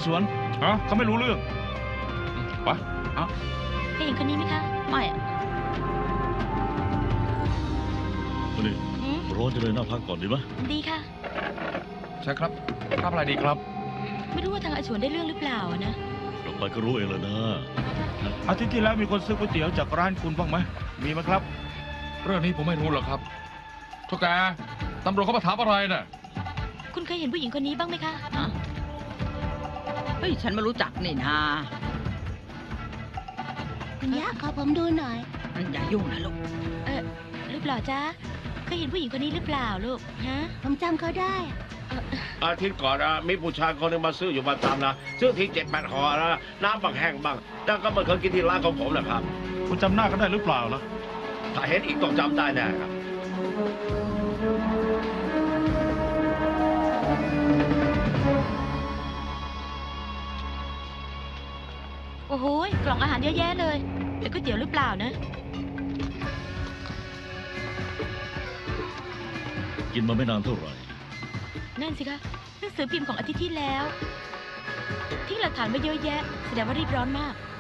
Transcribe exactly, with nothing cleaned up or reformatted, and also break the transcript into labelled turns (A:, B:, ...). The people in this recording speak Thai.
A: สวน
B: ฮะเขาไม่รู้เรื่องไป
C: เคยเห็นคนนี้ไหมคะไม่อะ
D: นี่
C: อืม
D: ร้อนจะเลยน่าพักก่อนดีไหม
C: ดีค่ะ
B: ใช่ครับรับอะไรดีครับ
C: ไม่รู้ว่าทางอาชวนได้เรื่องหรือเปล่าอะนะ
D: กลับไปก็รู้เองแล้วนะ
A: อาทิตย์ที่แล้วมีคนซื้อก๋วยเตี๋ยวจากร้านคุณบ้างไหมมีไหมครับ
B: เรื่องนี้ผมไม่รู้หรอกครับทุกแกตำรวจเขามาถามอะไรน่ะ
C: คุณเคยเห็นผู้หญิงคนนี้บ้างไหมคะ
E: ฮะเฮ้ยฉันไม่รู้จักนี่นา
F: คุณย่าขอผมดูหน่อย
E: อย่ายุ่งนะลูก
C: เออรูปหล่อจ้าเคยเห็นผู้หญิงคนนี้หรือเปล่าลูกฮะ
F: ผมจำเขาได้
G: อาทิตย์ก่อนอะมีผู้ชายคนหนึงมาซื้ออยู่ประจำนะซื้อทีเจ็ดแปดห่อนะน้ำบางแห้งบ้างแต่ก็ไม่เคยกินที่ร้านของผมนะครับ
A: คุณจำหน้ากันได้หรือเปล่าล่ะ
G: ถ้าเห็นอีกต้องจำได้แน่ครับ
C: โอ้โหกล่องอาหารเยอะแยะเลยเป็นก๋วยเตี๋ยวหรือเปล่านะ
D: กินมาไม่นานเท่าไหร่
C: นั่นสิคะหนังสือพิมพ์ของอาทิตย์ที่แล้วทิ้งหลักฐานไว้เยอะแยะแสดงว่ารีบร้อนมาก